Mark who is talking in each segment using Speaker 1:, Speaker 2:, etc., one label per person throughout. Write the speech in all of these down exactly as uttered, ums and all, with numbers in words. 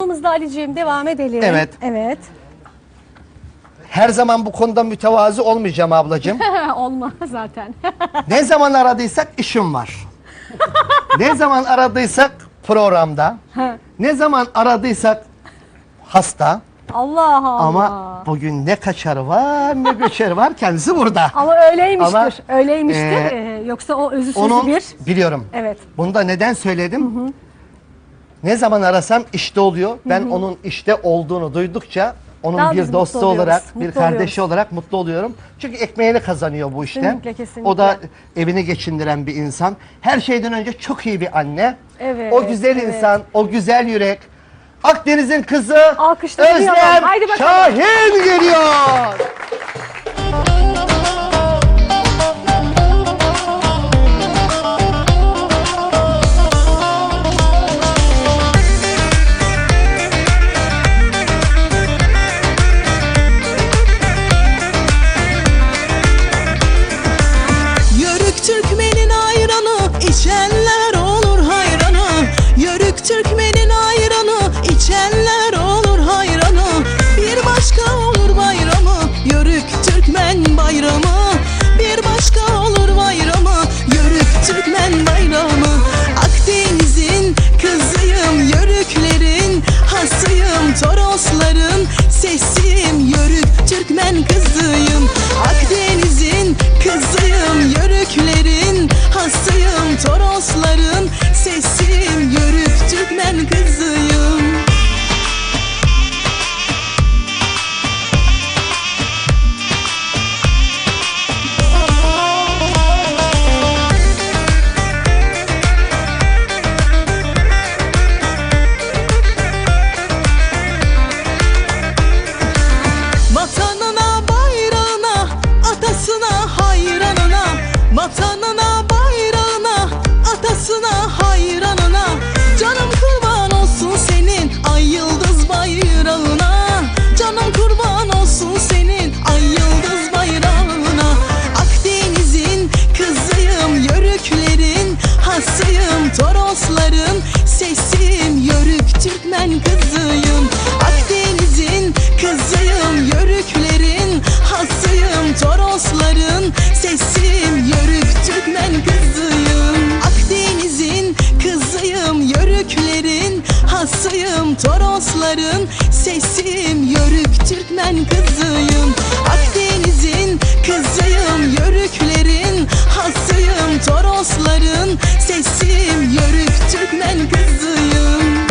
Speaker 1: programımızda Ali'ciğim devam edelim.
Speaker 2: Evet.
Speaker 1: Evet.
Speaker 2: Her zaman bu konuda mütevazı olmayacağım ablacığım.
Speaker 1: Olma zaten.
Speaker 2: Ne zaman aradıysak işim var. Ne zaman aradıysak programda. Ne zaman aradıysak hasta.
Speaker 1: Allah Allah.
Speaker 2: Ama bugün ne kaçarı var ne göçeri var, kendisi burada.
Speaker 1: Ama öyleymiştir.
Speaker 2: Ama,
Speaker 1: öyleymiştir.
Speaker 2: e,
Speaker 1: Ee, yoksa o özü sözü
Speaker 2: Onun
Speaker 1: bir.
Speaker 2: biliyorum.
Speaker 1: Evet.
Speaker 2: Bunu da neden söyledim? Hı hı. Ne zaman arasam işte oluyor. Ben hı hı. onun işte olduğunu duydukça onun
Speaker 1: Daha
Speaker 2: bir dostu olarak, bir
Speaker 1: mutlu
Speaker 2: kardeşi
Speaker 1: oluyoruz.
Speaker 2: olarak mutlu oluyorum. Çünkü ekmeğini kazanıyor bu işten.
Speaker 1: Kesinlikle, kesinlikle.
Speaker 2: O da evini geçindiren bir insan. Her şeyden önce çok iyi bir anne.
Speaker 1: Evet,
Speaker 2: O güzel
Speaker 1: evet.
Speaker 2: insan, o güzel yürek. Akdeniz'in kızı
Speaker 1: Alkışlayalım.
Speaker 2: Özlem
Speaker 1: Haydi bakalım.
Speaker 2: Şahin geliyor.
Speaker 3: Yörük Türkmenin ayranı içenler olur hayranı. Yörük Türkmenin ayranı içenler olur hayranı. Bir başka olur bayramı, Yörük Türkmen bayramı. Bir başka olur bayramı, Yörük Türkmen bayramı. Akdeniz'in kızıyım, Yörüklerin hasıyım, Torosların sesiyim, Yörük Türkmen kızıyım. Akdeniz'in kızıyım, Yörüklerin hasıyım, Torosların sesiyim, Yörük Türkmen kızıyım. Vatanına, bayrağına, atasına hayranına. Vatanına, bayrağına, atasına hayranına. Canım kurban olsun senin ay yıldız bayrağına. Canım kurban olsun senin ay yıldız bayrağına. Akdeniz'in kızıyım, Yörüklerin hasıyım, Torosların sesiyim, Yörük Türkmen kızıyım. Akdeniz'in kızıyım, Yörüklerin hasıyım, Torosların sesiyim, Yörük Türkmen kızıyım. Akdeniz'in kızıyım, Yörüklerin hasıyım, Torosların sesiyim, Yörük Türkmen kızıyım. Akdeniz'in kızıyım, Yörüklerin hasıyım, Torosların sesiyim, Yörük Türkmen kızıyım.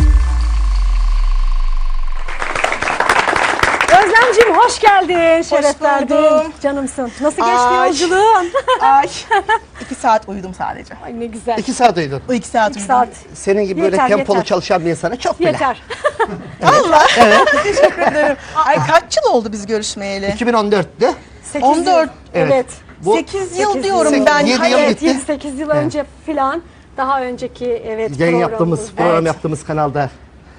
Speaker 1: Özlemciğim hoş geldin. Şeref verdin.
Speaker 4: buldum.
Speaker 1: Canımsın. Nasıl geçti
Speaker 4: Ay.
Speaker 1: yolculuğun?
Speaker 4: Ay, iki saat uyudum sadece.
Speaker 1: Ay ne güzel.
Speaker 2: İki saat uyudun.
Speaker 4: O iki saat
Speaker 1: İki
Speaker 4: uyudum.
Speaker 1: saat.
Speaker 2: Senin gibi böyle
Speaker 1: Yeter,
Speaker 2: tempolu
Speaker 1: yeter.
Speaker 2: çalışan bir insana çok bile.
Speaker 1: Yeter.
Speaker 4: Allah. Teşekkür ederim. Ay kaç yıl oldu biz görüşmeyeli?
Speaker 2: iki bin on dörtte.
Speaker 1: sekiz
Speaker 4: on dört.
Speaker 1: Yıl. Evet.
Speaker 2: Bu
Speaker 4: sekiz yıl
Speaker 1: sekiz
Speaker 4: diyorum
Speaker 2: yıl.
Speaker 4: ben.
Speaker 2: Yedi
Speaker 4: Hani-
Speaker 2: yıl
Speaker 1: Evet,
Speaker 2: bitti.
Speaker 1: yedi sekiz yıl önce filan daha önceki evet
Speaker 2: Yayın
Speaker 1: programımız.
Speaker 2: yaptığımız, program
Speaker 1: Evet.
Speaker 2: yaptığımız kanalda